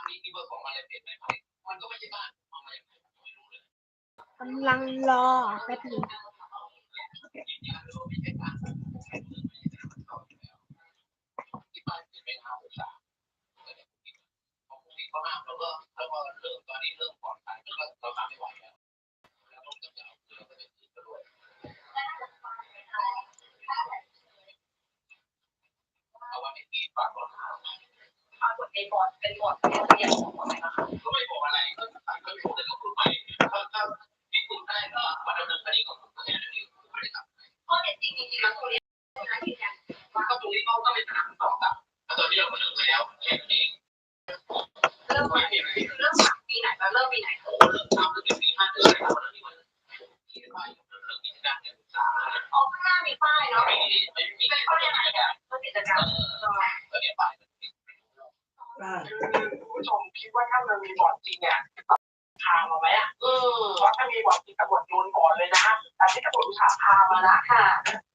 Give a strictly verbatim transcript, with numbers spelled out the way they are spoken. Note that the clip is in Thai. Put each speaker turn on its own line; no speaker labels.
มีมีเบอร์ของอะไรเปลี่ยนไหมมันก็ไม่ใช่บ้านเอามาอย่างไรไม่รู้เลย
กำลังรอแป๊บนึง
ที่บ้านเป็นไม่ห้าหกสามของพวกนี้เขาห้ามเราก็เราก็เริ่มตอนนี้เริ่มปลอดภัยแล้วก็เราทำไม่ไหวแล้วแล้วต้องจับเราเราก็จะติดไปด้วยเอาว่าไม่ตีฝากเราปรากฏในบอร์ดเป็นบอร์ดที่เรียนของอะไรนะคะก็ไม่บอกอะไรก็ก็ไม่พูดเลยก็พูดไปถ้าถ้าที่คุณได้ก็มาดำเนินคดีกับผมก็แค่นั้นเองไม่ได้ทำข้อเท็จจริงจริงๆแล้วตรงนี้นะยืนยันก็ตรงนี้เขาก็เป็นปัญหาต่อกับตอนนี้เราก็เลิกไปแล้วแค่นั้นเองเริ่มปีไหนเริ่มปีไหนแล้วเริ่มปีไหนเริ่มทำตั้งแต่ปีห้าเดือนแล้วแล้วที่มันที่ป้ายเริ่มกิจการการศึกษาอ๋อข้างหน้ามีป้ายเนาะไม่มีไม่มีเป็นข้อเรียนอะไรกันก็กิจการก็เนี่ยป้ายผู้ชมคิดว่าถ้ามันมีบอร์ดจริงเนี่ยพามาไหมอ่ะเพราะถ้ามีบอร์ดจริงตำรวจโดนก่อนเลยนะแต่ที่ตำรวจอุตส่าห์พามาละค่ะ